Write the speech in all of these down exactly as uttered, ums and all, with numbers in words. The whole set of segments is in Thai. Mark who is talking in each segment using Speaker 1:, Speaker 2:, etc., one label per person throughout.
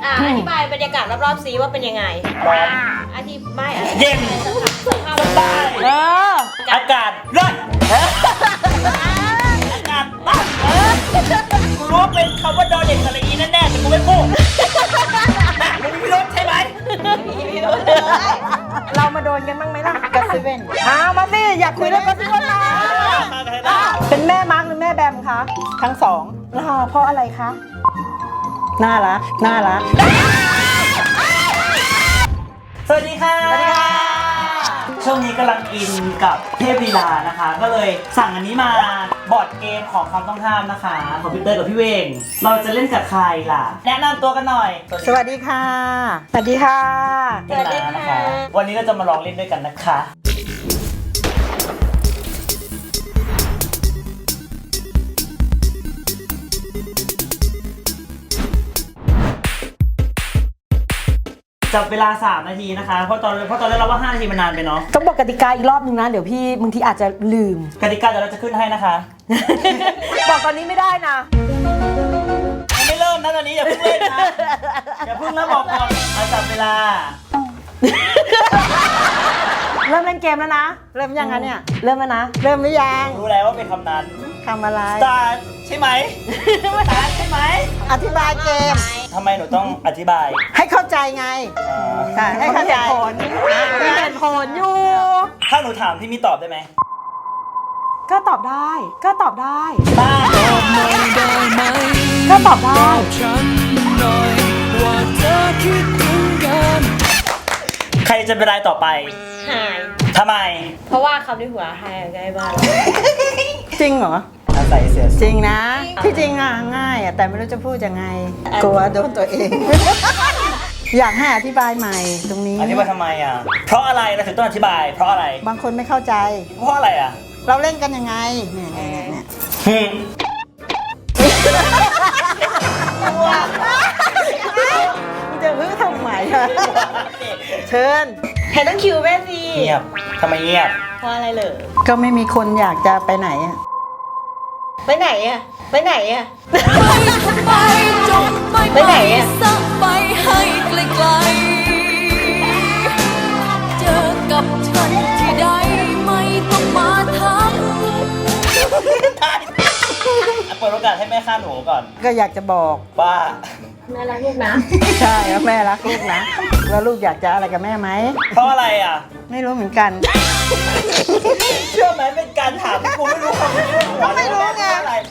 Speaker 1: อ่ะอธิบายบรรยากาศรอบๆซีว่าเป็นยังไงร้อนอธิบายอะไรเย็นสภาพใต้เอออากาศร้อนอากาศร้อนกูรู้ว่าเป็นคำว่าดอเด็กสระอีแน่ๆแต่กูไม่พูดมึงมีพิรุธใช่ไหมมีพิรุธเลย
Speaker 2: เรามาโดนกันบ้างไหมล่ะกัสซิเว่นอ้าวมาสิอยากคุยเรื่องกัสซิเว่นนะเป็นแม่มาร์กหรือแม่แบมคะทั้งสองแล้วเพราะอะไรคะน่ารักน่ารัก
Speaker 3: สวัสดีค่ะสวัสดีค่ะช่วงนี้กำลังอินกับเทพลีลานะคะ ก็เลยสั่งอันนี้มาบอร์ดเกมของคำต้องห้ามนะคะคอมพิวเตอร์กับพี่เวงเราจะเล่นกับใครล่ะแนะนำตัวกันหน่อย
Speaker 2: สวัสดีค่ะสวัสดีค่ะ
Speaker 3: สวัสดีค่ะวันนี้เราจะมาลองเล่นด้วยกันนะคะจับเวลาสามนาทีนะคะเพราะตอนเพราะตอนแรกเราว่าห้านาทีมันนานไปเนาะ
Speaker 2: ต้องบอกกติกาอีกรอบนึงนะเดี๋ยวพี่บางทีอาจจะลืม
Speaker 3: กติกาเดี๋ยวเราจะขึ้นให้นะคะ
Speaker 2: บอกตอนนี้ไม่ได้นะ
Speaker 3: ยังไม่เริ่มนะตอนนี้อย่าเพิ่งเล่นนะอย่าเพิ่งนะบอกก่อนเอาจับเวลา
Speaker 2: เริ่มเล่นเกมแล้วนะเริ่มยังคะเนี่ยเริ่มแล้วนะเริ่มหรือยัง
Speaker 3: รู้แล้วว่าเป็นคำนั้น
Speaker 2: คำอะไร
Speaker 3: start ใช่ไหม start ใช่ไหม
Speaker 2: อธิบายเกม
Speaker 3: ทำไมหนูต้องอธิบาย
Speaker 2: ให้เข้าใจไงใช่ให้เข้าใจผลมีเหตุผลอยู่
Speaker 3: ถ้าหนูถามพี่มีตอบได้ไหม
Speaker 2: ก็ตอบได้ก็ตอบได้
Speaker 3: บ้า
Speaker 2: ก็ตอบได้
Speaker 3: ใครจะเป็นรายต่อไป
Speaker 1: หาย
Speaker 3: ทำไม
Speaker 1: เพราะว่าคำที่หัวหายง่ายมาก
Speaker 2: จริงเหรอ
Speaker 3: อาศัยเสีย
Speaker 2: จริงนะที่จริงอ่ะง่ายอ่ะแต่ไม่รู้จะพูดยังไงกลัวโดนตัวเองอยากให้อธิบายใหม่ตรงนี้
Speaker 3: อธิบายทำไมอ่ะเพราะอะไรเราถึงต้องอธิบายเพราะอะไร
Speaker 2: บางคนไม่เข้าใจ
Speaker 3: เพราะอะไรอ่ะ
Speaker 2: เราเล่นกันยังไงเนี่ยเนี่ยเนี่ยจะฮึ่ทำไมอะเชิญ
Speaker 1: เห็นต้องคิวแม่สิ
Speaker 3: เงียบทำไมเงียบ
Speaker 1: เพราะอะไรเหรอ
Speaker 2: ก็ไม่มีคนอยากจะไปไหนอะ
Speaker 1: ไปไหนอะไปไหนอะไปไหนอะ
Speaker 4: ไปให้ไกลๆเจอกับฉันที่ใดไม่ต้องมาทัก
Speaker 3: เปิดโอกาสให้แม่ข้าหนูก่อน
Speaker 2: ก็อยากจะบอก
Speaker 3: ว่า
Speaker 1: แม่รักลูกนะ
Speaker 2: ใช่แล้วแม่รักลูกนะแล้วลูกอยากจะอะไรกับแม่ไหม
Speaker 3: เพราะอะไรอ่ะ
Speaker 2: ไม่รู้เหมือนกัน
Speaker 3: เชื่อไหมเป็นการถามกูไม่รู้คำพูด
Speaker 2: ก็ไม่รู้ไง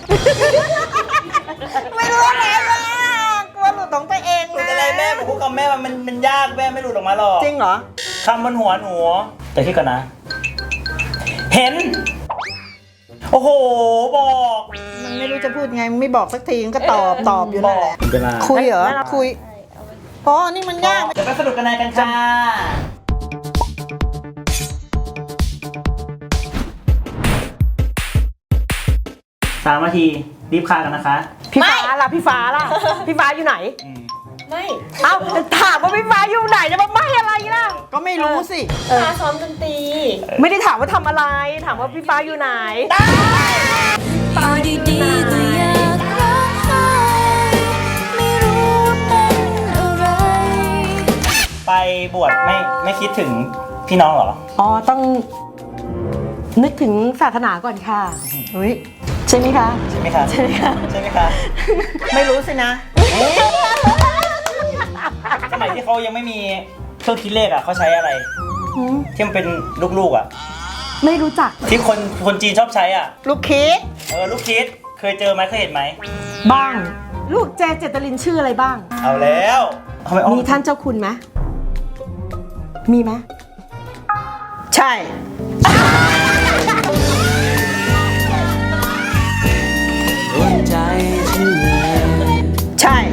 Speaker 2: ไม่รู้อะไรว่ากลัวหลุดของตัวเอง
Speaker 3: นะอะไรแม่ผมพูดคำแม่มันมันยากแม่ไม่หลุดออกมาหรอก
Speaker 2: จริงเหรอ
Speaker 3: คำบนหัวหนูแต่คิดก่อนนะเห็นโอ้โหบอก
Speaker 2: มันไม่รู้จะพูดไงไม่บอกสักทีก็ตอบตอบอยู่นั่นแหละคุยเหรอคุยอ๋อนี่มันยาก
Speaker 3: เดี๋ยวไปสรุปกันในกันค่ะสามนาทีรีบคากันนะคะ
Speaker 2: พี่ฟ้าล่ะพี่ฟ้าล่ะพี่ฟ้าอยู่ไหน
Speaker 1: ไม่
Speaker 2: เอ้าถามว่าพี่ฟ้าอยู่ไหนจะมาไม่อะไรล่ะก็ไม่รู้สิ
Speaker 1: ฟ้าซ้อมดนตรี
Speaker 2: ไม่ได้ถามว่าทำอะไรถามว่าพี่ฟ้าอยู่ไหน
Speaker 4: อยู่ดีๆก็อยากร้องไห้ไม่รู้เป็นอะไร
Speaker 3: ไปบวชไม่ไม่คิดถึงพี่น้องเหรอ
Speaker 2: อ๋อต้องนึกถึงศาสนาก่อนค่ะอุ้ยใช่ไหมคะ
Speaker 3: ใช่ไหมคะ
Speaker 2: ใช่ไหมคะ
Speaker 3: ใช่ไหมคะ
Speaker 2: ไม่รู้สินะ
Speaker 3: สมัยที่เขายังไม่มีเครื่องคิดเลขอ่ะเขาใช้อะไรที่มันเป็นลูกๆอ่ะ
Speaker 2: ไม่รู้จัก
Speaker 3: ที่คนคนจีนชอบใช้อ่ะ
Speaker 2: ลูกคิด
Speaker 3: เออลูกคิดเคยเจอไหมเคยเห็นไหม
Speaker 2: บ้างลูกเจเจตลินชื่ออะไรบ้าง
Speaker 3: เอาแล้ว
Speaker 2: มีท่านเจ้าคุณไหมมีไหมใช่
Speaker 4: ใจฉันเลย
Speaker 2: ใช่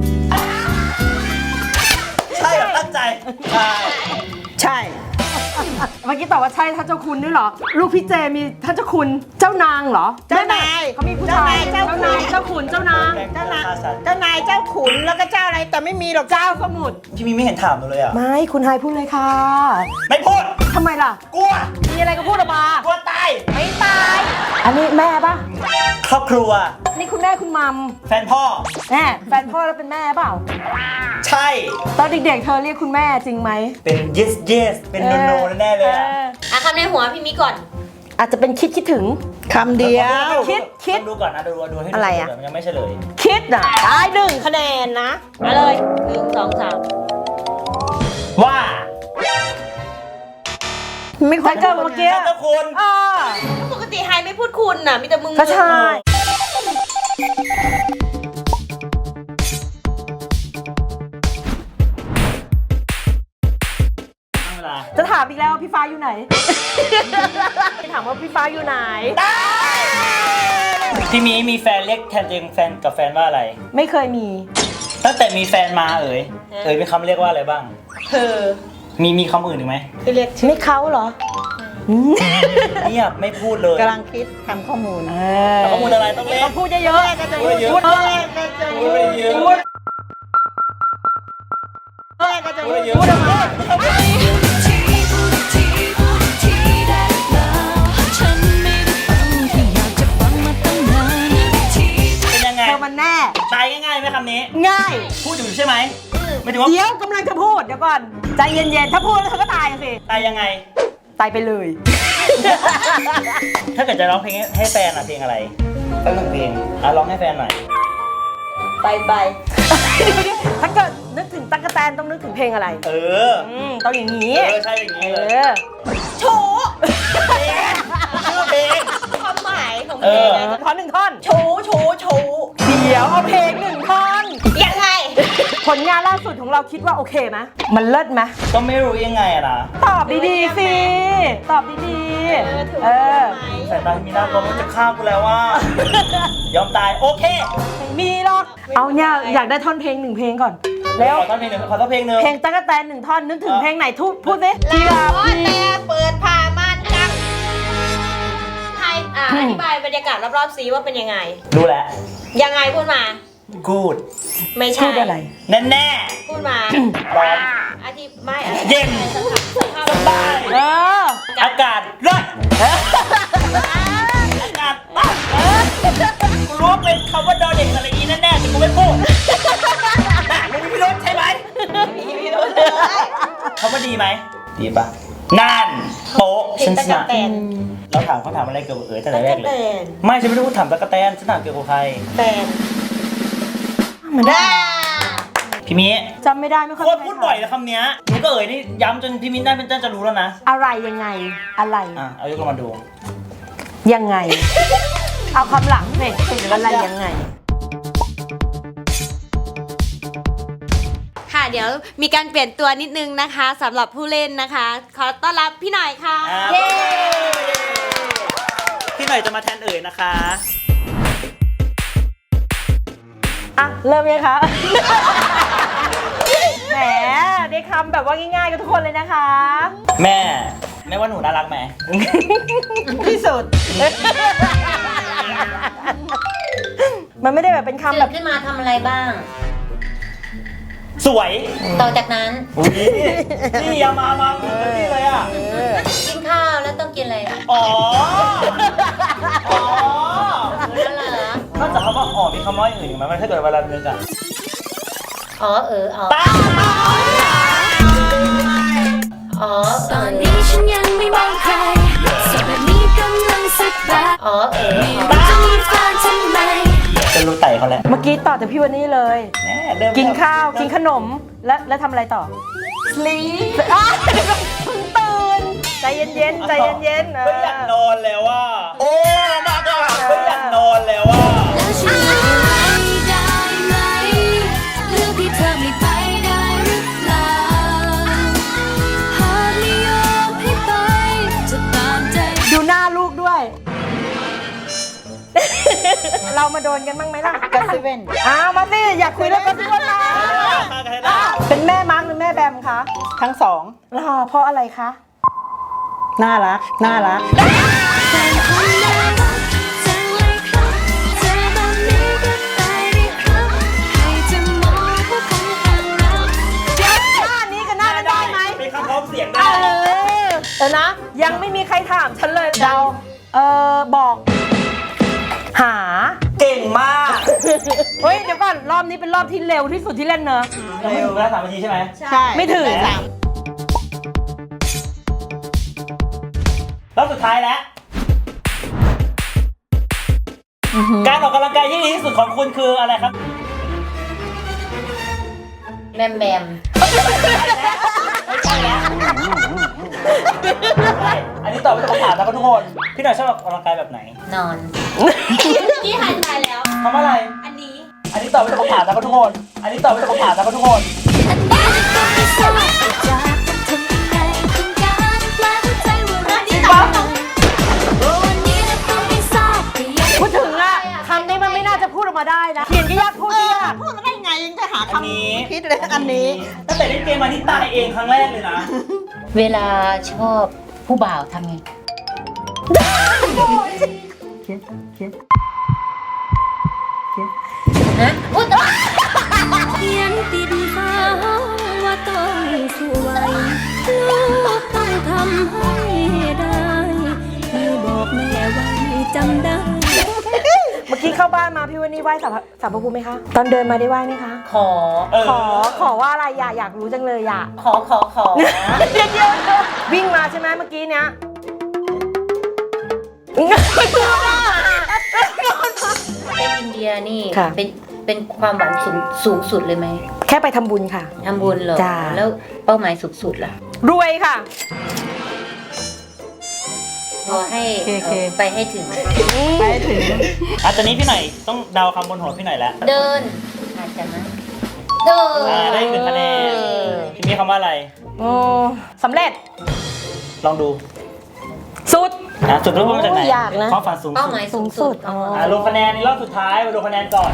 Speaker 3: ใช่แบบตั้งใจใช่
Speaker 2: ใช่เมื่อกี้ตอบว่าใช่ท่านเจ้าคุณด้วยเหรอลูกพี่เจมีท่านเจ้าคุณเจ้านางเหรอเจ้านายเขามีผู้ชายเจ้านายเจ้าขุนเจ้านางเจ้านายเจ้านายเจ้าขุนแล้วก็เจ้าอะไรแต่ไม่มีหรอกเจ้าสมุทร
Speaker 3: พี่มีไม่เห็นถามเลยอ่ะ
Speaker 2: ไม่คุณไฮพูดเลยค่ะ
Speaker 3: ไม่พูด
Speaker 2: ทำไมล่ะ
Speaker 3: กลัว
Speaker 2: มีอะไรก็พูดออกมาก
Speaker 3: ลัวตาย
Speaker 2: ไม่ตายอันนี้แม่ปะ
Speaker 3: ครอบครัว
Speaker 2: นี่คุณแม่คุณมัม
Speaker 3: แฟนพ่อ
Speaker 2: แม่แฟนพ่อแล้วเป็นแม่เปล่า
Speaker 3: ใช่
Speaker 2: ตอนเด็กๆเธอเรียกคุณแม่จริงไหม
Speaker 3: เป็น yes yes เป็น no no แน่ๆเลยอะ
Speaker 2: ออ
Speaker 5: อ่ะคำในหัวพี่มิก่อน
Speaker 2: อาจจะเป็นคิดคิดถึง
Speaker 6: คำเดียว
Speaker 2: คิดคิด
Speaker 3: ต้องดูก่อนนะดูดูให้ดู
Speaker 2: อะไรอะ
Speaker 3: ก่นมันยังไม่เฉลย
Speaker 2: คิดอ่ะได้หนึ่งคะแนนนะ
Speaker 5: มาเลยหนึ่งสองสาม
Speaker 3: ว่า
Speaker 6: ไม่ค่อย
Speaker 2: ถ้าเกิดเมื่อกี้
Speaker 3: เจ้าคุณ
Speaker 2: อ่า
Speaker 5: ปกติไฮไม่พูดคุณน่ะ มีแต่มึง
Speaker 2: ก็ใช่
Speaker 3: ตั้งเวลา
Speaker 2: จะถามอีกแล้วว่าพี่ฟ้าอยู่ไหน ถามว่าพี่ฟ้าอยู่ไหน
Speaker 3: พี่มีมีแฟนเรียกแทนตัวเองแฟนกับแฟนว่าอะไร
Speaker 2: ไม่เคยมี
Speaker 3: ตั้งแต่มีแฟนมาเอ๋ยเอ๋ยเป็นคำเรียกว่าอะไรบ้าง
Speaker 5: เธอ
Speaker 3: มีมีคำอื่นอีกไหม
Speaker 5: คือเรียก
Speaker 2: ไม่เขาเหรอ
Speaker 3: เงียบไม่พูดเลย
Speaker 6: กำลังคิดทำข้อมูล
Speaker 2: เอ
Speaker 3: แต่ข้อมูลอะไรต้องเล่น
Speaker 2: ต้องพูดเยอะๆ
Speaker 3: พูดเยอะ
Speaker 2: พูดเยอะ
Speaker 3: พูดไปเยอะ
Speaker 2: พูด
Speaker 3: พูดเยอะ
Speaker 2: พูดออกมา
Speaker 4: ที่พูดที่พูดที่ได้เปล่าฉันไม่ได้ฟังที่อยากจะฟังมาตั้งนานที่
Speaker 3: เป็นยังไง
Speaker 2: เธอมันแน่
Speaker 3: ตายง่ายๆไหมคำนี้
Speaker 2: ง่าย
Speaker 3: พูดอยู่ใช่ไหมไม่ถึงว่า
Speaker 2: เดี๋ยวกำลังจะพูดเดี๋ยวก่อน ใจเย็นๆ ถ้าพูดแล้วเธอก็ตายสิ
Speaker 3: ตายยังไง
Speaker 2: ตายไปเลย
Speaker 3: ถ้าเกิดจะร้องเพลงให้แฟนอะเพลงอะไรสักหนึ่งเพลงอ่ะร้องให้แฟนหน่อย
Speaker 5: ไปไป
Speaker 2: ถ้าเกิดนึกถึงตั๊กแตนต้องนึกถึงเพลงอะไร
Speaker 3: เออ
Speaker 2: อืมต้องอย่างนี้
Speaker 3: เออใช่อย่าง
Speaker 2: เอ
Speaker 3: นี้เลย
Speaker 2: อ
Speaker 5: โฉ
Speaker 3: ชื่อเพลง
Speaker 5: ความหมายของเพ
Speaker 3: เอ
Speaker 5: ลง
Speaker 3: อ
Speaker 5: นะ
Speaker 2: ท่อนหนึ่งท่อน
Speaker 5: โฉโฉโฉ
Speaker 2: เดี๋ยวเอาเพลงหนึ่งท่อน
Speaker 5: ยังไง
Speaker 2: ผลงานล่าสุดของเราคิดว่าโอเคไหมมันเลิศไหม
Speaker 3: ก็ไม่รู้ยังไงอะนะ
Speaker 2: ตอบดีๆสิ ตอบดี
Speaker 5: เออถือ
Speaker 2: ๆ เอ
Speaker 5: ว่า
Speaker 2: อ
Speaker 5: ไหม
Speaker 3: สายตามีหน้ากลัวมันจะฆ่ากูแล้วว่า ยอมตายโอเค
Speaker 2: ไม่มีหรอก เอาเนี่ยอยากได้ท่อนเพลงหนึ่งเพลงก่อน แล้ว
Speaker 3: ขอท่อนเพลงหนึ่งขอท่อนเพลงหนึ่ง
Speaker 2: เพลงตั๊กแตนหนึ่งท่อนนึกถึงเพลงไหนทุพูดสิ
Speaker 5: ลาพ่อแต่เปิดผ้าม่านกังไฮอ่ะอธิบายบรรยากาศรอบๆซีว่าเป็นยังไง
Speaker 3: รู้แล้ว
Speaker 5: ยังไงพูดมา
Speaker 3: กูด
Speaker 5: ไม่ใช่
Speaker 2: พูดอะไร
Speaker 3: แน่แน่
Speaker 5: พูดมา
Speaker 3: ๆร้อน
Speaker 5: อธิไม่อธิ
Speaker 3: เย็น
Speaker 5: สภาพสภาพ
Speaker 3: สบาย
Speaker 2: เออ
Speaker 3: อากาศร้อนอากาศร้อนกูรู้ว่าเป็นคำว่าดอเด็กอะไรอีแน่ๆแต่กูไม่พูดน่ะมึงมีพิรุธใช่ไหม
Speaker 5: มีพิรุธเลย
Speaker 3: คำว่าดีไหมดีปะนั่นโป๊ะ
Speaker 5: เพล
Speaker 3: ฉั
Speaker 5: ง
Speaker 3: น
Speaker 5: ตะ
Speaker 3: ช
Speaker 5: กะ
Speaker 3: นะ
Speaker 5: แตน
Speaker 3: เราถามเขาถามอะไรเกี่ยวกับเอ๋ยแต่
Speaker 5: ตะ
Speaker 3: แร
Speaker 5: กะ
Speaker 3: กเล
Speaker 5: แต
Speaker 3: ย
Speaker 5: น
Speaker 3: ไม่ฉันไม่ได้พูดถามตะกะแตนฉันถามเกี่ยวกับใคร
Speaker 5: แตน
Speaker 2: มันได้
Speaker 3: พี่มิ
Speaker 2: จำไม่ได้ไม่ค่อย
Speaker 3: โคตรพูดบ่อยแล้วคำเนี้ยหนูก็เอ๋ยนี่ย้ำจนพี่มิ้นได้เป็นเจ้าจะรู้แล้วนะ
Speaker 2: อะไรยังไง อะไร
Speaker 3: อ่ะเอายกลงมาดู
Speaker 2: ยังไง เอาคำหลังสิอะไรยังไง
Speaker 5: ค่ะเดี๋ยวมีการเปลี่ยนตัวนิดนึงนะคะสำหรับผู้เล่นนะคะ ขอต้อนรับพี่หน่อยค่ะ
Speaker 3: อ่า
Speaker 5: เย้
Speaker 3: พี่หน่อยจะมาแทนเอ๋ยนะคะ
Speaker 2: อ่ะ เริ่มยังคะ แหมได้คำแบบว่าง่ายๆกับทุกคนเลยนะคะ
Speaker 3: แม่แม่ว่าหนูน่ารักไหม
Speaker 2: ที่สุด มันไม่ได้แบบเป็นคำ
Speaker 7: ตื่
Speaker 2: แบ
Speaker 7: น
Speaker 2: บ
Speaker 7: ขึ้นมาทำอะไรบ้าง
Speaker 3: สวย
Speaker 7: ต่อจากนั้น
Speaker 3: อุ๊ยนี่อย่ามามาเหมือนนี่เลยอ่ะ
Speaker 7: กินข้าวแล้วต้องกินอะไร
Speaker 3: อ๋อ อ๋อ
Speaker 7: แล้วเหรอน
Speaker 3: อกจากคำว่าอ๋อมีคำว่าอย่างอื่นอีกไหมมันถ้าเกิดเวลานึกอ่ะ
Speaker 7: อ๋อเอออ๋อ
Speaker 3: ตา
Speaker 7: อ๋อ
Speaker 4: ตอนนี้ฉันยังไม่มองใครสดแบบนี้กำลังสบาย
Speaker 7: อ๋อเออ
Speaker 4: ไม่รู้จะมีแฟนทำไม
Speaker 3: จะรู้ไต่เขาแหละ
Speaker 2: เมื่อกี้ต่อจากพี่วันนี้เลย
Speaker 3: แม่เริ่ม
Speaker 2: กินข้าว กินขนม แล้วแล้วทำอะไรต่อ
Speaker 5: sleep
Speaker 2: อ้าวเพิ่งตื่น ใจเย็นๆ ใจเย็นๆเอ
Speaker 3: ไม่อยาก
Speaker 2: อน
Speaker 3: อนแล้วว่า โอ้มากอ่ะไม่อยากนอนแล้วว่า
Speaker 4: แล้วฉันไม่ได้ไหมเลือกที่เธอไม่ไปได้หรือเปล่าหากไม่ยอมให้ไปจะตามใจ
Speaker 2: ดูหน้าลูกด้วย เรามาโดนกันบ้างไหมล่ะ
Speaker 6: กัสซิเว่น
Speaker 2: อ้าวมาสิอยากคุยเรื่องกันสิวันนะเป็นแม่มาร์กหรือแม่แบมคะ
Speaker 6: ทั้งสอง
Speaker 2: รอเพราะอะไรคะ
Speaker 6: น่ารัก น่ารัก
Speaker 4: เป็นคนน่ารักจังเลยครับเจอแบบนี้ก็ตายดีครับให้จะมองว่าคงห่างเรา
Speaker 2: เดี๋ยวหน้านี้กับหน้านั้นได้ไหม
Speaker 3: เป็นคำพร้อมเสียง
Speaker 2: เอ
Speaker 3: ได้
Speaker 2: อเออนะ ยังไม่มีใครถามฉันเลยเดาเออบอก หา
Speaker 3: เก่ก่งมาก
Speaker 2: เฮ้ยเดี๋ยวก่อนรอบนี้เป็นรอบที่เร็วที่สุดที่เล่นเนอะ
Speaker 3: ยังไม่ถึงเวลาสามนาทีใช่ไหม
Speaker 6: ใช่
Speaker 2: ไม่ถึง
Speaker 6: สาม
Speaker 3: รอบสุดท้ายแล้ว การออกกำลังกายที่ดีที่สุดของคุณคืออะไรครับ
Speaker 7: แมมแมม
Speaker 3: ไม่ใช่แล้วใช่อันนี้ตอบไม่ตรงคำถามนะครับทุกคน พี่หน่อยชอบออกกำลังกายแบบไหน
Speaker 7: นอน
Speaker 5: ที่หายใจแล้ว
Speaker 3: ทำอะไร
Speaker 5: อันนี้
Speaker 3: อันนี้ตอบไม่ตรงคำถามนะครับทุกคน อันนี้ตอบไม่ตรงคำถามนะครับทุกคน
Speaker 4: อันนี้ก็ไม่ทราบว่าจะทำยังไงต้องการแปลหัวใจว่ารักที่ไหนโอ้วันนี้นะก็ไม่ทราบแต่ยัง
Speaker 2: พูดถึงอะคำนี้มันไม่น่าจะพูดออกมาได้นะเขียนก็ยากพูด
Speaker 6: เอ
Speaker 2: ก็
Speaker 6: อย
Speaker 2: าก
Speaker 6: พูดมาได้ไงยังจะหา
Speaker 3: อันนี้
Speaker 6: คำคิดเลยอันนี้
Speaker 3: ตั้งแต่เล่นเกมมานี่ตายเองครั้งแรกเลยนะ
Speaker 7: เวลาชอบผู้บ่าวทำไงฮะอุ๊ย
Speaker 4: เขียนติดฟ้าว่าต้องสวยลูกต้องทำให้ได้พี่บอกแม่ไว้จำได้
Speaker 2: เมื่อกี้เข้าบ้านมาพี่วันนี้ไหว้สารพสารพระภูมิไหมคะ ตอนเดินมาได้ไหว้ไหมคะ
Speaker 7: ขอ
Speaker 3: เออ
Speaker 2: ขอขอว่าอะไรอยากอยากรู้จังเลยอยาก
Speaker 7: ขอขอขอ
Speaker 2: เดี๋ยวเดี๋ยววิ่งมาใช่ไหมเมื่อกี้เนี้ย
Speaker 7: เป็นอินเดียนี่
Speaker 2: ค่ะ
Speaker 7: เป็นเป็นความหวังสูงสูงสุดเลยไหม
Speaker 2: แค่ไปทำบุญค่ะ
Speaker 7: ทำบุญเหรอ
Speaker 2: จ้า
Speaker 7: แล้วเป้าหมายสูงสุดล่ะ
Speaker 2: รวยค่ะ
Speaker 7: ขอให้
Speaker 6: โอเคโอเค
Speaker 7: เอ่อไปให้ถึง
Speaker 6: ไปถึง
Speaker 3: อ่ะตอนนี้พี่หน่อยต้องเดาคำบนหัวพี่หน่อยแล้ว
Speaker 7: เดินอาจจะนะเดิน
Speaker 3: อ่าได้หนึ่งคะแนนพี่มีคำว่าอะไร
Speaker 2: โอ้สำเร็จ
Speaker 3: ลองดู
Speaker 2: สุด
Speaker 3: อ่ะจุดเริ่มต้นมาจากไหน
Speaker 2: โอ้ยากนะ
Speaker 3: ความฝันสูง
Speaker 7: เป้า
Speaker 3: สุด
Speaker 7: หมายสูง
Speaker 2: สู
Speaker 7: สุ
Speaker 2: งสุ
Speaker 7: ด
Speaker 2: ดอ๋อ
Speaker 3: อ่ะลงคะแนนในรอบสุดท้ายมาดูคะแนนก่อน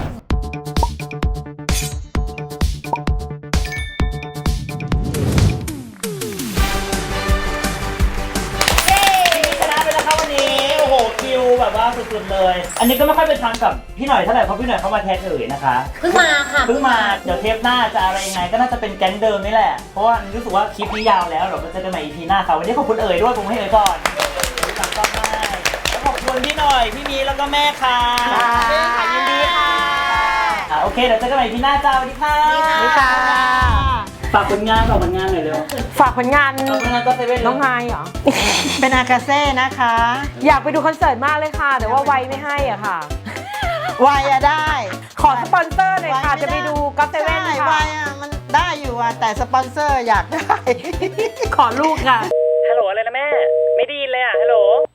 Speaker 3: ชนะไปแล้วครับวันนี้ โอ้โห คิวแบบว่าสุดๆเลย อันนี้ก็ไม่ค่อยเป็นทางกับพี่หน่อยเท่าไหร่เพราะพี่หน่อยเขามาแทนเอ่ยนะคะ
Speaker 7: เพิ่งมาค่ะ
Speaker 3: เพิ่งมาเดี๋ยวเทปหน้าจะอะไรยังไงก็น่าจะเป็นแก๊งเดิมนี่แหละ เพราะว่ารู้สึกว่าคลิปนี้ยาวแล้วเดี๋ยวเราจะกันใหม่ อี พี หน้าค่ะวันนี้ขอบคุณเอ่ยด้วยผมให้เอ่ยก่อนติดตามก็ได้แล้วขอบคุณพี่หน่อยพี่มีแล้วก็แม่ค่ะ
Speaker 2: ค่ะยินดีค่ะ
Speaker 3: อ่ะโอเคเดี๋ยวเจอกันใหม่ อี พี หน้าจ้าสวัสดีค่ะ
Speaker 2: สวัสดีค่ะ
Speaker 3: ฝากผลงานฝากผลงานหน่อยเร็ว
Speaker 2: ฝากผลงาน
Speaker 3: ฝากผลงานก็เซเว่น
Speaker 2: น้องไฮเหรอ
Speaker 6: เป็นอากาเซ่นะคะ
Speaker 2: อยากไปดูคอนเสิร์ตมากเลยค่ะ แต่ว่าไวไม่ให้อ่ะค่ะ
Speaker 6: วายอะได้
Speaker 2: ขอสปอนเซอร์หน่อยค่ะ จะไปดูก็เซเว่น
Speaker 6: ใช่
Speaker 2: ค่ะ
Speaker 6: วายอะมันได้อยู่อะแต่สปอนเซอร์อยากได้
Speaker 2: ขอลูกค่ะ
Speaker 3: ฮัลโหลอะไรนะแม่ ไม่ได้ยินเลยอ่ะฮัลโหล